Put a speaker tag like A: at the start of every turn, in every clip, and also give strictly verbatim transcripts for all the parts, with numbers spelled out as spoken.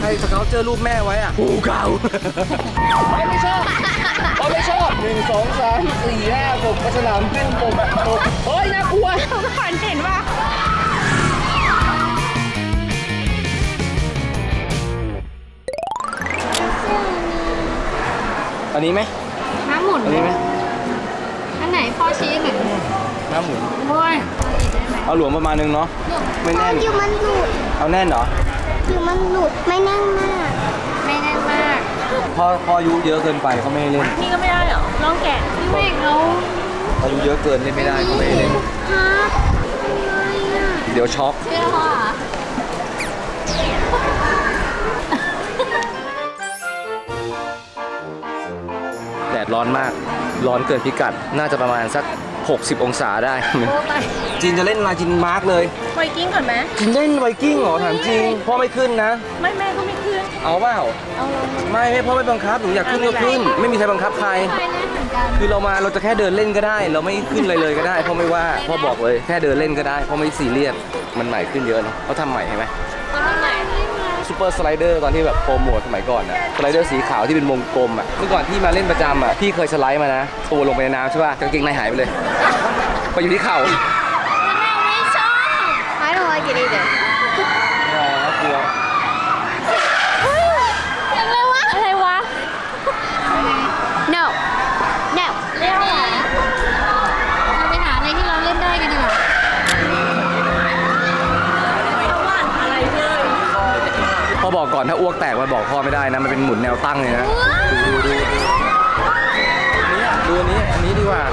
A: รสเกลเจอรูปแม่ไว้อ่ะปูเก่าไม่ไม่ชอบไม่ชอบหนึ่งสองสามสี่ห้าหกกระฉลามขึ้นปกปกเฮ้ยน่ากลัว
B: เขาก็ฝันเห็นว่า
A: อันนี้ไหม
B: น้ำหมุน
A: อันนี้ไหม
B: อันไหนพ่อชี้หน่อย
A: น้ำหมุน
B: โอ้ย
A: เอาหลวมประมาณนึงเนาะไม่แน่น
C: อยู่มันหลุด
A: เอาแน่นเหรอ
C: อยู่มันหลุดไม่แน่นมาก
B: ไม่แน่นมาก
A: พอพออายุเยอะเกินไปเขาไม่ให้เล่น
B: นี่ก็ไม่ได้เหรอลองแกะพี่เมฆเรา
A: อายุเยอะเกินเล่นไม่ได้เขาไม่ให้เล่น
C: ครับทำไมอ่ะ
A: เดี๋ยวช็อก
B: เชื่อพ่อเหรอ
A: แดดร้อนมากร้อนเกินพิกัดน่าจะประมาณสักหกสิบองศาได้
B: โอ้ไป
A: จีนจะเล่นมาจีนมาร์กเลย
B: ไวกิ้งก่อนไหม
A: จีนเล่นไวกิ้งเหรอถามจริงพ่อไม่ขึ้นนะ
B: ไม่แม่ก็ไม่ขึ้น
A: เอาเปล่า
B: เอาลง
A: ไม่ไม่พ่อไม่บังคับหนูอยากขึ้นก็ขึ้น ไม่มีใครบังคับใคร
B: ไม่แน่เหมือนกัน
A: คือเรามาเราจะแค่เดินเล่นก็ได้ เราไม่ขึ้นอะไรเลยก็ได้พ่อไม่ว่าพ่อบอกเลยแค่เดินเล่นก็ได้พ่อไม่ซีเรียสมันใหม่ขึ้นเยอะเนาะเขาทำใหม่เห็นไหม
B: เขาทำไหน
A: ซูเปอร์สไลเดอร์ตอนที่แบบโปรโมทสมัยก่อนอะสไลเดอร์สีขาวที่เป็นวงกลมอะเมื่อก่อนที่มาเล่นประจำอะพี่เคยสไลด์มานะตัวลงไปในน้ำใช่ป่ะกางเกงในหายไปเลยไปอยู่ที่เข่า
B: ไม่ชอบ
C: I don't like it either
A: อ๋อเกลัว
B: อะไรวะอะไรวะ
C: no no
B: เรียกว่าเราไปหาอะไรที่เราเล่นได้กันดีกว่าอะไรเลย
A: พ่อบอกก่อนถ้าอ้วกแตกมาบอกพ่อไม่ได้นะมันเป็นหมุนแนวตั้งเลยนะดูดูดูดูอันนี้อันนี้ดีกว่า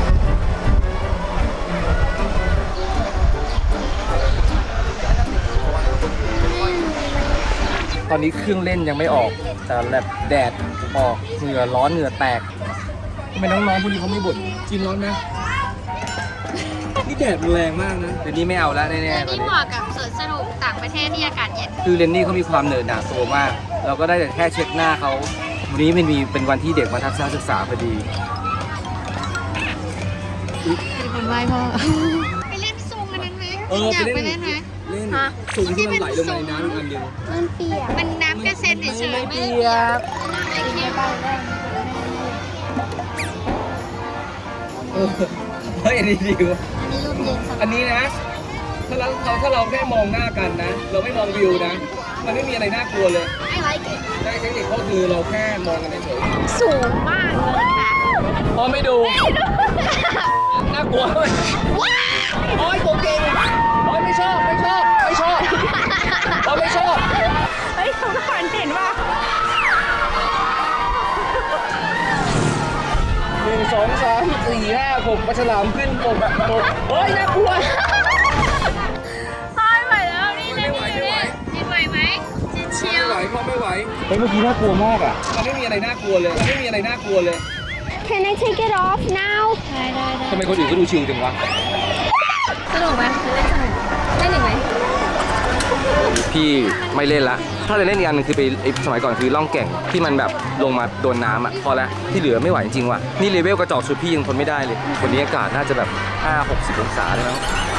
A: ตอนนี้เครื่องเล่นยังไม่ออกแต่แบบแดดออกเหงื่อร้อนเหงื่อแตกทำไมน้องๆพวกนี้เขาไม่บ่นจีนร้อนนะนี่แดดมันแรงมากนะเดี๋ยวนี้ไม่เอาแล้วแน่ๆตอน
B: นี่
A: นี้
B: เหมาะกับสวนสนุกต่างประเทศที่อากาศเย็น
A: คือเรนนี่เขามีความเหนื่อยหนาตัวมาก เราก็ได้แต่แค่เช็ดหน้าเขาวันนี้มันมีเป็นวันที่เด็กมาทัศนศึกษาพอดี
B: เป็นคนไหว้พ่อไปเล่นซุงอันนั้นไหม
A: เออ
B: อยาก
A: ไป
B: ไป
A: เล่
B: เล่
A: น
B: นไหม
A: เล่น
B: ฮะ
A: สูงที่มันไหลลงมาในน้ำอีกอันเดียว
C: มันเปียก
B: มันน้ำกระเซ็นเฉยๆ
A: ไม่
B: ไม่
A: เปี
B: ได้
A: ย
B: เปีย
A: ก
B: กไอ้เคี้ยว
A: เออเฮ้ยอันนี้ดีวะ
B: อันนี้รูปเย็นส
A: อั
B: บาน ย
A: นี้นะ ถ้าเราถ้าเราแค่มองหน้ากันนะ เราไม่มองวิวนะ มันไม่มีอะไรน่ากลัวเลย
B: I like it
A: ได้เทคนิคก็คือเราแค่มองกันเฉย
B: สูงมากเลยค่ะ
A: ๆพอไม่ดู น่ากลัวเลยโอ้ยตัวเก่งโอ้ยไม่ชอบไม่ชอบไม่ชอบโอ้ยไม่ชอบ
B: เฮ้ยเขาก็ฝันเห็นว่า
A: หนึ่งสองสามสี่ห้าหกปลาฉลามขึ้นปกแบบปกโอ้ยน่ากลัว
B: พ่อไม่ไหวแล้วนี่เล่นนี่เล่นจินไหวไหมจินเชียว
A: ไม่ไหวพ่อไม่ไหวเฮ้ยเมื่อกี้น่ากลัวมากอ่ะมันไม่มีอะไรน่ากลัวเลยมันไม่มีอะไรน่ากลัวเลย
C: Can I take it off now
B: ได้ได้ได้
A: ทำไมคนอื่นก็ดูชิลจังวะ
B: สนุกไหมเล่นสนุกเล่นอีกไหม
A: พี่ไม่เล่นละถ้าจะเล่นอีกอันนึงคือไปไอ้สมัยก่อนคือล่องแก่งที่มันแบบลงมาโดนน้ำอ่ะพอแล้วที่เหลือไม่ไหวจริงๆว่ะนี่เลเวลกระจอกสุดพี่ยังทนไม่ได้เลยวันนี้อากาศน่าจะแบบห้าหกสิบองศาเลยนะ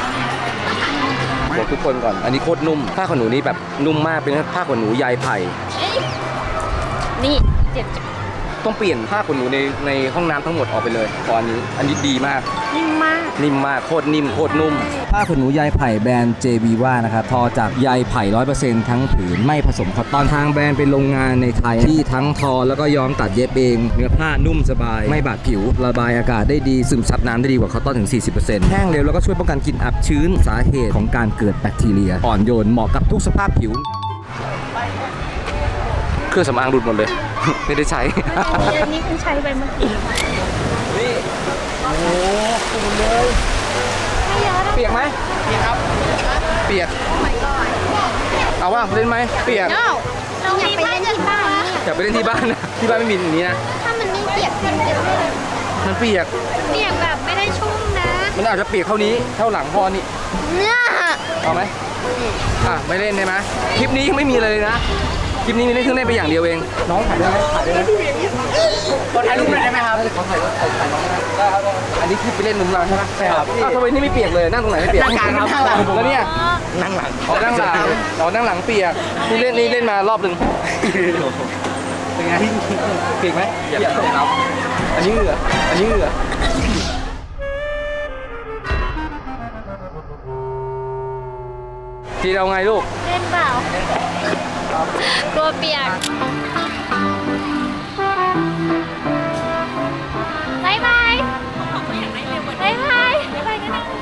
A: บอกทุกคนก่อนอันนี้โคตรนุ่มผ้าขนหนูนี่แบบนุ่มมากเป็นผ้าขนหนูใยไผ่
B: เอ้ยนี่เจ็บจัง
A: ต้องเปลี่ยนผ้าขนหนูในในห้องน้ำทั้งหมดออกไปเลยตอนนี้อันนี้ดีมาก
B: นิ่มมาก
A: นิ่มมากโคตรนิ่มโคตรนุ่มผ้าขนหนูใยไผ่แบรนด์ เจ วี วา นะครับทอจากใยไผ่ ร้อยเปอร์เซ็นต์ ทั้งผืนไม่ผสมคอตตอนทางแบรนด์เป็นโรงงานในไทยที่ทั้งทอแล้วก็ย้อมตัดเย็บเองเนื้อผ้านุ่มสบาย ไม่บาดผิว ระบายอากาศได้ดีซึมซับน้ำได้ดีกว่าคอตตอนถึง สี่สิบเปอร์เซ็นต์ แห้งเร็วแล้วก็ช่วยป้องกันกลิ่นอับชื้นสาเหตุของการเกิดแบคทีเรียอ่อนโยนเหมาะกับทุกสภาพผิวเครื่องสำอางหลุดหมดเลย ไม่ได้ใช้
B: อันนี้คุณใช้ไปเมื่อกี้
A: นี่โอ้โหฝุ่นเลย
B: ไม่เยอะนะ
A: เปียกไหมเปียกครับ เปียก เอาว่าเล่นไหมเปียก
B: no เราอยากไปเล่นที่บ้านเนี่ย
A: อยากไปเล่นที่บ้านนะ ที่บ้านไม่มีอย่างนี้นะ
B: ถ้ามันไม่เปียกมันจะไม่
A: มันเปียก
B: เปียกแบบไม่ได้ชุ่มนะ
A: มันอาจจะเปียกเท่านี้ เท่าหลังพอนี่
B: เนี่ย
A: เอาไหมอ่ะ ไม่เล่นใช่ไหมคลิปนี้ยังไม่มีเลยนะคลิปนี้มีเล่นเครื่องเล่นไปอย่างเดียวเองน้องถ่ายได้ไหมถ่ายได้ไหมขอถ่ายรูปหน่อยได้ไหมครับขอถ่ายรูปถ่ายน้องได้ครับอันนี้คือไปเล่นมุมเราใช่ไหมใช่ครับอ้าวทำไมนี่ไม่เปียกเลยนั่งตรงไหนไม่เปียกนั่งกลางครับแล้วเนี่ยนั่งหลังอ๋อนั่งหลังอ๋อนั่งหลังเปียกนี่เล่นนี่เล่นมารอบหนึ่งเป็นไงเปียกไหมเปียกครับอันนี้เหงื่ออันนี้เหงื่อทีเราไงลูก
B: เล่นเปล่ากลัวเปียกบายบายบายบายบายบายกันนะ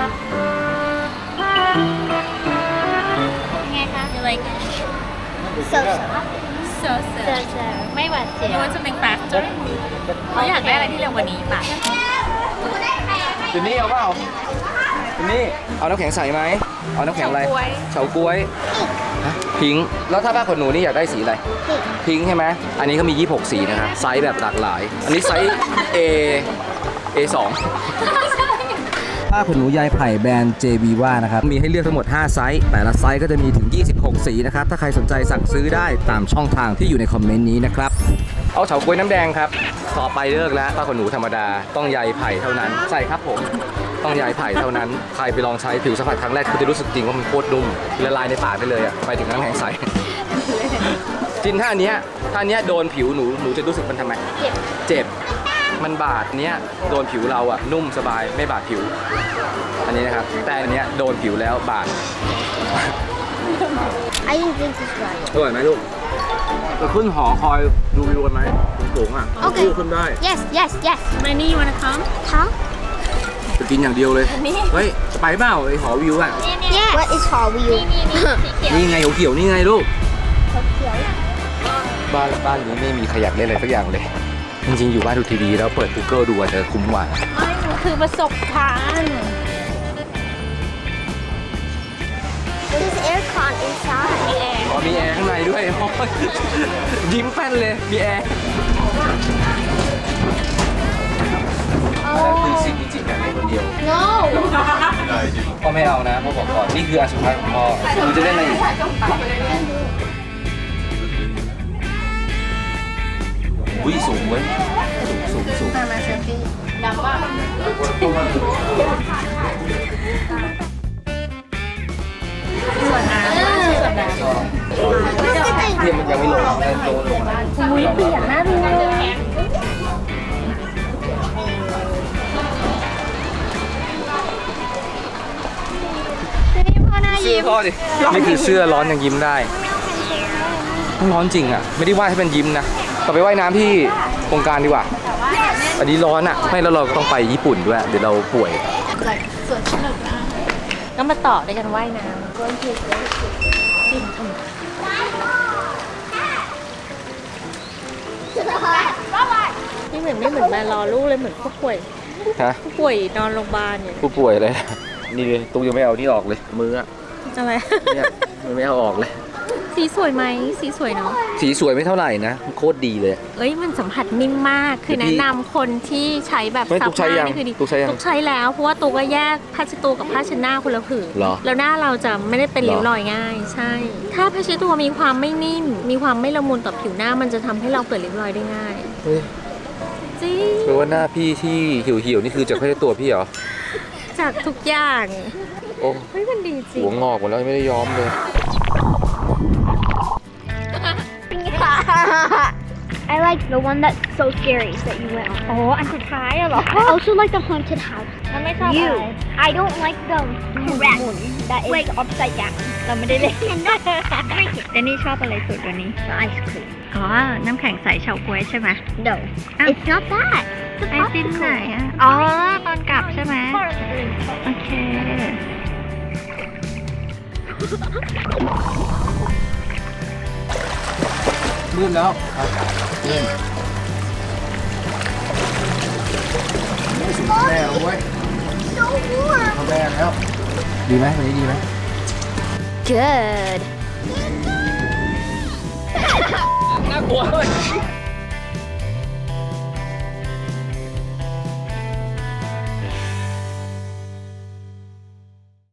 B: ยังไงคะ
D: You like
C: So
D: so
B: เจ
D: so
B: อเจอไม่หวาดเสียว
D: You want something faster เขาอยากได้อะไรที่เร็วกว่านี้ป่ะ
A: เดี๋ยวนี้เอาเปล่าเดี๋ยวนี้เอาน้ำแข็งใสไหมเอาน้ำแข็งอะไรเฉาก๊วยฮะพิงค์แล้วถ้าผ้าขนหนูนี่อยากได้สีอะไรพิงค์ใช่ไหมอันนี้เขามียี่สิบหกสีนะครับไซส์แบบหลากหลาย อันนี้ไซส์ A A สองผ้าขนหนูยายไผ่แบรนด์ เจ วี ว่านะครับมีให้เลือกทั้งหมดห้าไซส์แต่ละไซส์ก็จะมีถึงยี่สิบหกสีนะครับถ้าใครสนใจสั่งซื้อได้ตามช่องทางที่อยู่ในคอมเมนต์นี้นะครับเอาเฉาก๊วยน้ำแดงครับต่อไปเลิกแล้วผ้าขนหนูธรรมดาต้องใยไผ่เท่านั้นใช่ครับผมต้องใยไผ่เท่านั้นใครไปลองใช้ผิวสัมผัสครั้งแรกคุณจะรู้สึกจริงว่ามันโคตรนุ่มละลายในปากไปเลยอ่ะไปถึงน้ำแข็งใสจินถ้าอันเนี้ยถ้าอันเนี้ยโดนผิวหนูหนูจะรู้สึกมันทำไมเจ็บเจ็บมันบาดเนี้ยโดนผิวเราอ่ะนุ่มสบายไม่บาดผิวอันนี้นะครับแต่อันเนี้ยโดนผิวแล้วบาด
C: I didn't think this right.
A: อร่อยไหมลูกจะขึ้นหอคอยดูวิวกันไหมสูงอ่ะ
C: โอเค
A: ขึ้นได้
C: Yes, yes, yes.
D: Lenny you wanna come
C: Huh?
A: จะกินอย่างเดียวเลยเฮ้ยไปเปล่าไอหอวิวอ่ะ
C: Yes. What is Hall Wheel?
A: นี่ไงเขียวๆนี่ไงลูกบ้านบ้านนี้ไม่มีใครอยากเล่นอะไรสักอย่างเลยจริงๆอยู่บ้านดูทีวีแล้วเปิด Google ดูอาจจะคุ้มกว่า
B: คือประสบการณ์
C: There's aircon inside.
A: อ๋อมีแอร์ข้างในด้วย โอ้ยยิ้มแป้นเลยมีแอร์นั่นคือสิ่งจริงๆนะในคนเดียว
C: No.
A: พ่อไม่เอานะพ่อบอกก่อนนี่คืออันสุดท้ายของพ่อหนูจะเล่นอะไรอีกอุ้ยสูงเว้ยสูงสูงสูง เทียมมันยังไม่ลงแต่โตลง
B: อุ้ยเปียกน่าดูเลย
C: พ่อหน้า
A: เสื้อ
C: ยิ้ม
A: พ่อดินี่คือเสื้อร้อนยังยิ้มได้มันร้อนจริงอ่ะไม่ได้ว่าให้เป็นยิ้มนะต่อไปว่ายน้ำที่โครงการดีกว่าอันนี้ร้อนอ่ะไม่แล้วเราก็ต้องไปญี่ปุ่นด้วยเดี๋ยวเราป่วย
D: ก็มาต่อด้วยกันว่ายน้ นี่เหมือนไม่เหมือนมารอลูกเลยเหมือนผู้ป่วย
A: ฮะ
D: ผู้ป่วยนอนโรงพยาบาลอย่าง
A: ผู้ป่วยเลยนี่เลยตุ้งยังไม่เอานี่ออกเลยมืออ่ะ
D: อะไร
A: เนี่ยมันไม่เอาออกเลย
D: สีสวยไหมสีสวยเนาะ
A: สีสวยไม่เท่าไหร่นะโคตรดีเลย
D: เอ้ยมันสัมผัสนิ่มมากคือ
A: เดี๋ยวพี่
D: แนะนำคนที่ใช้แบบ
A: ไม่
D: ซั
A: ตุ๊กใช้
D: ห
A: ยัง
D: นี่คือดี
A: ตุ๊กใช้ยัง
D: ตุ๊กใช้แล้วเพราะว่าตุ๊กก็แยกผ้าเช็ดตัวกับผ้าเช็ดหน้าคนละผืน
A: เหรอ
D: แล้วหน้าเราจะไม่ได้เป็น
A: เหรอ
D: ริ้วรอยง่าย ใช่ ถ้าผ้าเช็ดตัวมีความไม่นิ่ม มีความไม่ละมุนต่อผิวหน้ามันจะทำให้เราเกิดริ้วรอยได้ง่าย
A: เฮ้ย
D: จริง
A: แปลว่าหน้าพี่ที่หิวหิวๆนี่คือจากแค่ตัวพี่เหรอ
D: จากทุกอย่าง
A: โอ้
D: เฮ้ยมันดีจริง
A: หัวงอกหมดแล้วไม่ได้ย้อมเลย
C: I like the one that's so scary that you went on.
B: โอ้อันสุดท้ายอะเหรอ
C: I also like the haunted house.
B: แล้วไม่ชอบอะไร
C: You. I don't like the correct that is upside down.
B: เราไม่ได้เล่น
C: And not drink it.
B: เดนนี่ชอบอะไรสุดวันนี้
C: The ice cream.
B: อ๋อ น้ำแข็งใสเฉาก๊วยใช่ไหม
C: No.
B: Ah.
C: It's not that. It's a
B: ไอติมไหน
C: popsicle.
B: อะอ๋อ ตอนกลับใช่ไหมโอเค
A: ลื่นแล้วลื่นสุดแม่เว้ย
C: So warm.
A: เขาแม่แล้วดีไหมวันนี้ดีไหม
C: Good.
A: น่ากลัวเลย